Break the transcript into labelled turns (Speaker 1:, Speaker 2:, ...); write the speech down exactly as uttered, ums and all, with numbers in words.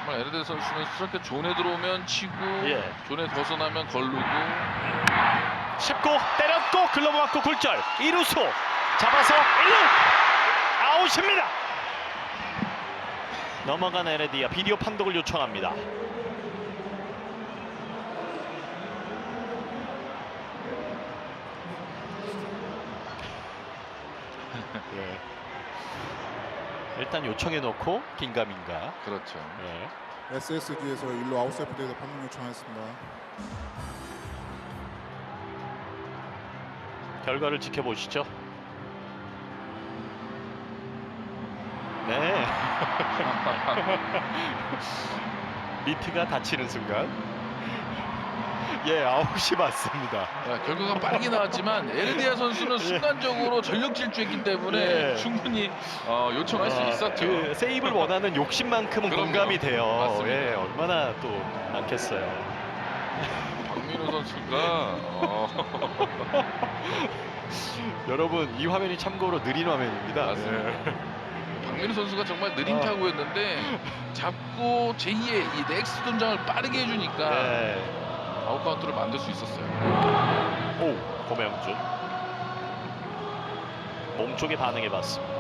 Speaker 1: 정말 에르데 선수는 저렇게 존에 들어오면 치고
Speaker 2: 예.
Speaker 1: 존에 벗어나면 걸르고.
Speaker 2: 쉽고 때렸고 글러브 맞고 굴절. 이루수 잡아서 일 루 아웃입니다. 넘어간 에르디아 비디오 판독을 요청합니다. 예. 일단 요청해 놓고 긴가민가.
Speaker 1: 그렇죠.
Speaker 2: 예.
Speaker 3: 에스에스지에서 일 루 아웃사이드 플레이에서 판독 요청하였습니다.
Speaker 2: 결과를 지켜보시죠. 네. 미트가 다치는 순간. 예, 아웃이 맞습니다.
Speaker 1: 야, 결과가 빠르게 나왔지만 에르디아 선수는 순간적으로 전력 질주했기 때문에
Speaker 2: 예.
Speaker 1: 충분히 어, 요청할 수
Speaker 2: 아,
Speaker 1: 있었죠.
Speaker 2: 그 세이브를 원하는 욕심만큼은
Speaker 1: 그럼요.
Speaker 2: 공감이 돼요.
Speaker 1: 맞습니다.
Speaker 2: 예, 얼마나 또 많겠어요.
Speaker 1: 박민호 선수가 어,
Speaker 2: 여러분 이 화면이 참고로 느린 화면입니다.
Speaker 1: 맞습니다.
Speaker 2: 예.
Speaker 1: 박민호 선수가 정말 느린
Speaker 2: 아.
Speaker 1: 타구였는데 잡고 제이의 이 넥스트 동작을 빠르게 해주니까
Speaker 2: 예.
Speaker 1: 아웃 카운트를 만들 수 있었어요.
Speaker 2: 오, 고명준 몸쪽에 반응해봤습니다.